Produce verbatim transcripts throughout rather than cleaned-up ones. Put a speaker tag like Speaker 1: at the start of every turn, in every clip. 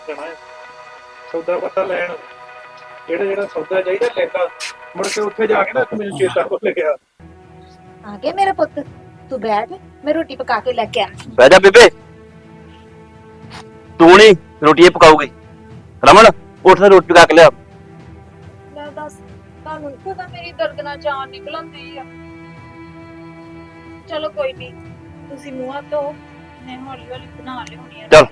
Speaker 1: ਜਾਣਾ ਹੈ ਸੌਦਾ ਪਤਾ ਲੈਣ। ਜਿਹੜਾ ਜਿਹੜਾ ਸੌਦਾ ਚਾਹੀਦਾ ਲੈਂਦਾ, ਮੁੜ ਕੇ ਉੱਥੇ ਜਾ ਕੇ ਨਾ ਮੈਨੂੰ ਚੇਤਾ ਭੁੱਲ ਗਿਆ।
Speaker 2: ਆ ਗਿਆ ਮੇਰਾ ਪੁੱਤ, ਤੂੰ ਬੈਠ, ਮੈਂ ਰੋਟੀ ਪਕਾ ਕੇ ਲੈ ਕੇ ਆ।
Speaker 3: ਬਹਿ ਜਾ ਬੇਬੇ, ਤੂੰ ਨਹੀਂ ਰੋਟੀ ਇਹ ਪਕਾਉਗੀ। ਰਮਨ ਉੱਠ ਤੇ ਰੋਟੀ ਪਕਾ ਕੇ ਲਿਆ।
Speaker 2: ਲੈ ਦੱਸ, ਤੁਹਾਨੂੰ ਪਤਾ ਮੇਰੀ ਦਰਦ ਨਾਲ ਜਾਨ ਨਿਕਲਦੀ ਆ। ਚਲੋ ਕੋਈ ਨਹੀਂ, ਤੁਸੀਂ ਮੂੰਹ ਹੱਥ ਧੋ, ਮੈਂ ਹੌਲੀ ਹੌਲੀ ਬਣਾ ਲਿਆਉਣੀ ਆ।
Speaker 3: ਚੱਲ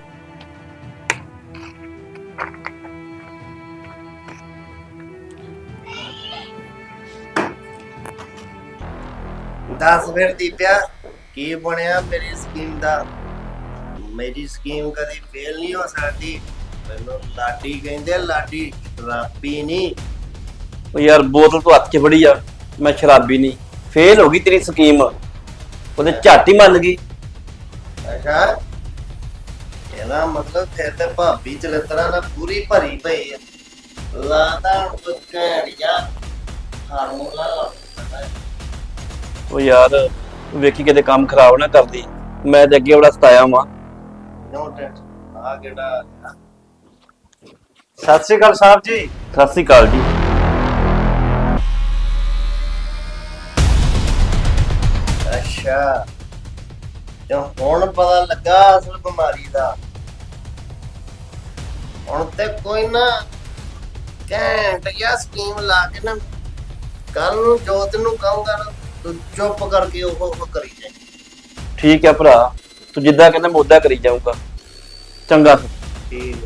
Speaker 4: दस फिर दीपिया की बनया मेरी स्कीम दा। मेरी स्कीम कदी फेल नहीं हो सकती। मैनू लाडी कहंदे, लाडी शराबी नहीं।
Speaker 3: ਉਹ ਯਾਰ ਬੋਤਲ ਤੂੰ ਹੱਥ 'ਚ ਫੜੀ ਆ, ਮੈਂ ਸ਼ਰਾਬੀ ਨਹੀਂ। ਫੇਲ ਹੋ ਗਈ ਤੇਰੀ ਸਕੀਮ, ਉਹਦੇ ਝੱਟ ਹੀ ਮੰਨ ਗਈ।
Speaker 4: अच्छा ਇਹਦਾ ਮਤਲਬ ਫਿਰ ਤੇ ਭਾਬੀ ਚਲਤਰਾ ਨਾ ਪੂਰੀ ਭਰੀ ਪਈ ਹੈ। ਲਾਦਾ ਬਕੜਿਆ ਹਾਰਮੋਨਾ।
Speaker 3: ਉਹ ਯਾਰ ਵੇਖੀ ਕਿਤੇ ਕੰਮ ਖਰਾਬ ਨਾ ਕਰਦੀ, ਮੈਂ ਤੇ ਅੱਗੇ ਬੜਾ ਸਤਾਇਆ ਵਾਂ।
Speaker 4: No tension. ਆ ਕਿਹੜਾ
Speaker 1: ਸਤਿ ਸ਼੍ਰੀ ਅਕਾਲ ਸਾਹਿਬ ਜੀ।
Speaker 3: ਸਤਿ ਸ੍ਰੀ ਅਕਾਲ ਜੀ।
Speaker 4: ਅੱਛਾ ਤੇ ਹੁਣ ਪਤਾ ਲੱਗਾ ਅਸਲ ਬਿਮਾਰੀ ਦਾ। ਹੁਣ ਤੇ ਕੋਈ ਨਾ ਘੈਂਟ ਜਿਹਾ ਸਕੀਮ ਲਾ ਕੇ ਨਾ ਕੱਲ ਨੂੰ ਜੋਤ ਨੂੰ ਕਹੂੰਗਾ ਨਾ ਤੂੰ ਚੁੱਪ ਕਰਕੇ ਉਹ ਉਹ ਕਰੀ ਜਾਏ।
Speaker 3: ਠੀਕ ਹੈ ਭਰਾ, ਤੂੰ ਜਿੱਦਾਂ ਕਹਿੰਦਾ ਮੈਂ ਉਦਾਂ ਕਰੀ ਜਾਊਂਗਾ। ਚੰਗਾ
Speaker 4: ਠੀਕ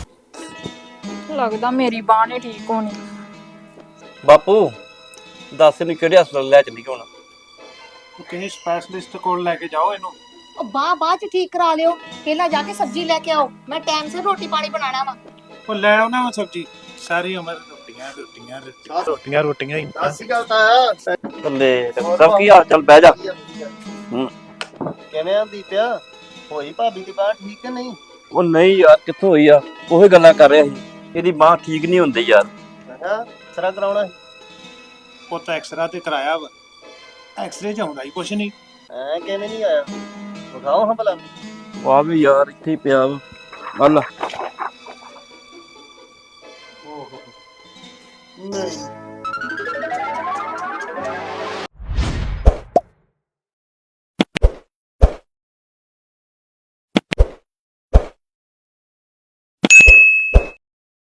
Speaker 5: ਲੱਗਦਾ ਮੇਰੀ ਬਾਂਹ ਨਹੀਂ ਠੀਕ ਹੋਣੀ।
Speaker 3: ਬਾਪੂ ਦੱਸ ਇਹਨੂੰ ਕਿਹੜੇ ਹਸਪਤਾਲ ਲੈ ਚੱਲੀ ਹੁਣ?
Speaker 1: ਕਿਸੇ ਸਪੈਸ਼ਲਿਸਟ ਕੋਲ ਲੈ ਕੇ ਜਾਓ ਇਹਨੂੰ।
Speaker 2: ਉਹ ਬਾਹ ਬਾਅਦ ਚ ਠੀਕ ਕਰਾ ਲਿਓ, ਪਹਿਲਾਂ ਜਾ ਕੇ ਸਬਜ਼ੀ ਲੈ ਕੇ ਆਓ, ਮੈਂ ਟਾਈਮ ਸਿਰ ਰੋਟੀ ਪਾਣੀ ਬਣਾਣਾ ਵਾ।
Speaker 1: ਉਹ ਲੈ ਆਉਣਾ ਵਾ ਸਬਜ਼ੀ, ਸਾਰੀ ਉਮਰ ਰੋਟੀਆਂ ਰੋਟੀਆਂ ਰੋਟੀਆਂ ਰੋਟੀਆਂ ਰੋਟੀਆਂ ਹੀ।
Speaker 4: ਅਸੀਂ ਗੱਲ ਤਾਂ
Speaker 3: ਥੱਲੇ ਸਭ ਕੀ ਹਾਲ ਚਾਲ? ਬਹਿ ਜਾ। ਹੂੰ
Speaker 4: ਕਿਵੇਂ ਆਂਦੀ ਪਿਆ? ਹੋਈ ਭਾਬੀ ਦੀ ਬਾਤ ਠੀਕ ਹੈ ਨਹੀਂ?
Speaker 3: ਉਹ ਨਹੀਂ ਯਾਰ, ਕਿੱਥੋਂ ਹੋਈ ਆ? ਉਹੀ ਗੱਲਾਂ ਕਰ ਰਿਹਾ ਸੀ, ਇਹਦੀ ਬਾਂਹ ਠੀਕ ਨਹੀਂ ਹੁੰਦੀ ਯਾਰ।
Speaker 4: ਹਾਂ ਸਰਾ ਕਰਾਉਣਾ
Speaker 1: ਉਹ ਤਾਂ ਐਕਸਰਾ ਤੇ ਕਰਾਇਆ ਵਾ, ਐਕਸਰੇ ਚ ਆਉਂਦਾ ਹੀ ਕੁਛ ਨਹੀਂ।
Speaker 4: ਐ ਕਿਵੇਂ ਨਹੀਂ ਆਇਆ? ਵਿਖਾਓ ਹਾਂ ਭਲਾ।
Speaker 3: ਵਾਹ ਵੀ ਯਾਰ ਇੱਥੇ ਹੀ ਪਿਆ ਵਾ। ਆ ਲੈ।
Speaker 4: ਨਹੀਂ